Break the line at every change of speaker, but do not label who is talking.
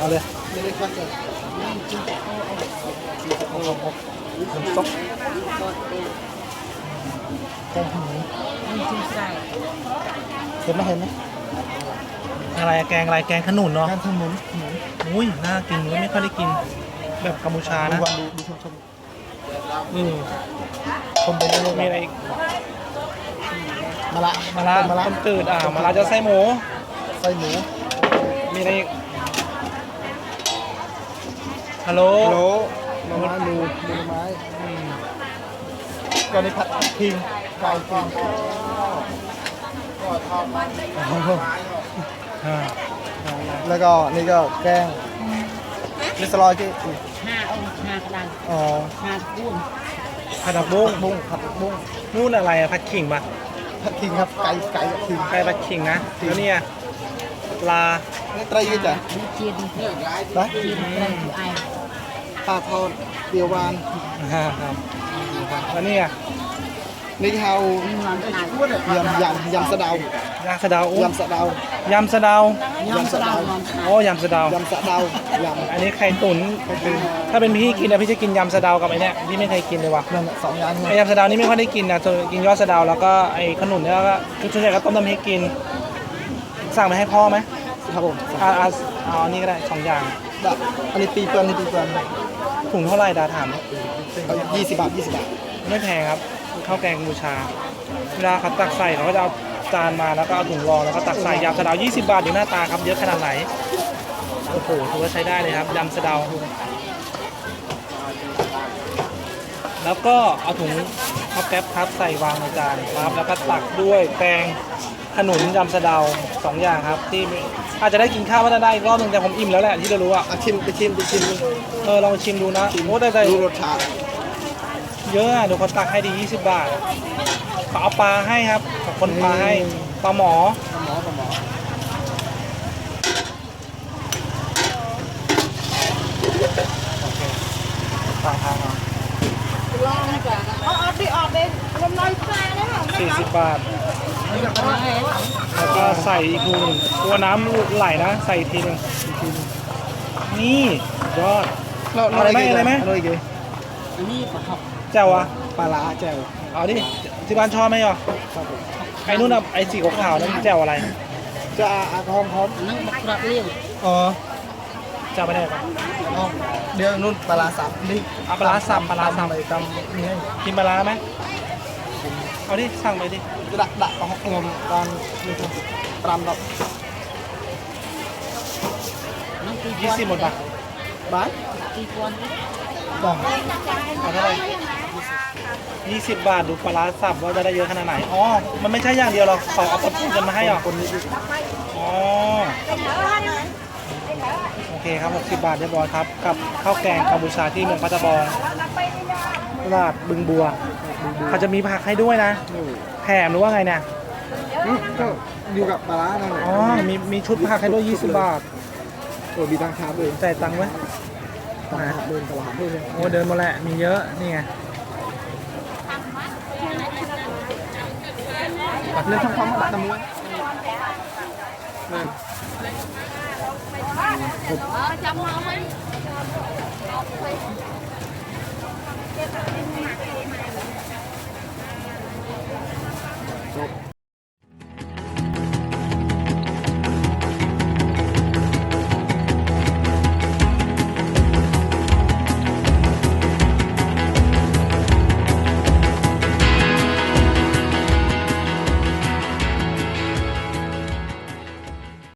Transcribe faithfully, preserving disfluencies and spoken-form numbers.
เลย
ไม่ได้ควักเลย
โอ้โหน้ำซุปแกงขนุนเห็นไหมเห็นไหมอะไรแกงอะไรแกงขนุนเนาะ
แกงขนุนขนุน
อุ้ยน่ากินไม่ค่อยได้กินแบบกัมพูชา
ดู
นะ
วันดูดูชมชม
อืม
ชมไปเรื่อยๆ
มีอะไรอีก
มะละ
มะระ
มะละ
ต้มจืดอ่ามะระจะไส้หมู
ไส้หมู
มีอะไรอีกฮัลโหล
โลหน่อไม้หมูหมูหน่อไม้อืมก็นี่ผัดพิงไก่พิง
อ่า
แล้วก็นี่ก็แกงมิสลอยที่
ห้าองค์ห้ากระดาน
อ๋อ
ห้าปุ้น
ผัดผักบุ้ง
บุ้งผัดบุ้ง
นู่นอะไรอะผัดขิงปะ
ผัดพิงครับไก่ไก่กับพิง
ไก่ผัดขิงนะแล้วเนี่ยปลา
นี่ไตรยี่จ้ะ
ดูเชียน
ไป
เชียนอะไรอยู่ไอ
ปลาทอดเดียวหวาน
อ่าครับแล้วเนี่ย
นี่เขา
มีนอนขนาด
ยำยำยำสะเดาย
ำสะเดาอุ๊ย
ยำสะเดาย
ำสะเดาย
ำสะเดานอนขนาด
โอ้ยำสะเดาย
ำสะเดายำ
อันนี้ไข่ตุ๋นถ้าเป็นพี่กินนะพี่จะกินยำสะเดากับไอ้เนี่ยพี่ไม่เคยกินเลยว่ะ
นั่นน่ะสองอย่าง
ไอ้
เนี่ย
ยำสะเดานี่ไม่ค่อยได้กินนะส่วนกินยอดสะเดาแล้วก็ไอ้ขนุนเนี่ยก็คือส่วนใหญ่ก็ต้มน้ำพริกกิน สั่งไปให้พ่อไหม
ครับผม
อ่าอ่าเอาอันนี้ก็ได้สองอย่าง
ดะอันนี้ปีเปิลนี่ปีเปิล
ถุงเท่าไหร่ดาถาม
เอายี่สิบบาทยี่สิบบาท
ไม่แพงครับข้าวแกงกัมพูชาเวลาเขาตักใส่เขาก็จะเอาจานมาแล้วก็เอาถุงรองแล้วก็ตักใส่ยำสะเดายี่สิบบาทดูหน้าตาครับเยอะขนาดไหนโอ้โหถือว่าใช้ได้เลยครับยำสะเดาแล้วก็เอาถุงข้าวแก๊บครับใส่วางในจานครับแล้วก็ตักด้วยแกงขนุนยำสะเดาสองอย่างครับที่อาจจะได้กินข้าวก็ได้อีกรอบหนึงแต่ผมอิ่มแล้วแหละที่เรารู้อ่ะ
อ่ะชิมไปชิมไปชิม
เออลองชิมดูนะโอ้ได้ได้
ดูรสชาติ
เยอะอ่ะเดี๋ยวคนตักให้ดียี่สิบบาทเขาเอาปลาให้ครับขอบคนปลาให้ปลาหมอ
ปลาหมอปลาหมอ
ต่างทางเอา
ลองดีกว่าเอาเอาดิออกเลยลมลอยฟ้าแล้วเหรอ
สี่สิบบาท
ไม่ต้องเอาให้
แล้วก็ใส่อีกทีหนึ่งตัวน้ำไหลนะ ใส่อีกทีหนึงอีกทีหนึงนี่ยอด
เรา
อะไรไหมอะไรไหม
เราอีกเลย
อันนี้ปลาหอก
แจ่วอ่ะ
ปลาร้าแจ่ว
เอาดิที่บ้านชอบไหมอ่ะ
ครับผม
ไอ้นู่นอ่ะไอ้สีขาวๆนั่นแจ่วอะไร
จะอาหอมหอม
นั่งบักกระเลี้ยว
อ๋อแจ่วไปไหนปะ
เอาเดี๋ยวนู่นปลาร้าสับนี่
เอาปลาร้าสับปลาร้าสับ
ไปตำนี่ให้
กินปลาร้าไหมเอาดิสั่งไปดิ
กระดะดะเอางมตอนนี่ครับตรำดอก
นั่งตี
ยี่สิบหมดปะ
บ้าน
ตีกวน
ดอง
เอาเท่าไหร่ยี่สิบบาทดูปลาร้าสับว่าจะได้เยอะขนาดไหน อ๋อ มันไม่ใช่อย่างเดียวหรอกเขาเอาปลาปูกันมาให้หรอ
คนนี้ดิ
อ๋อ โอเคครับหกสิบบาทเรียบร้อยครับ กับข้าวแกงกัมพูชาที่เมืองพัทบองตลาดบึงบัว เขาจะมีผักให้ด้วยนะ
นี่
แถมหรือว่าไงเนี่ย
อืมก็อยู่กับปลาร้านั่นแหละ
อ๋อ มีมีชุดผักให้ด้วยยี่สิบบาท
โอ้มีตังคาด้วย
จ่ายตังค์ไหม
ตลาดเดินตลาดด้วย
โอ้เดินมาแหละ มีเยอะ นี่ไง
เรื่องทำความบัตรตะมวยนั่น
จำมาไหม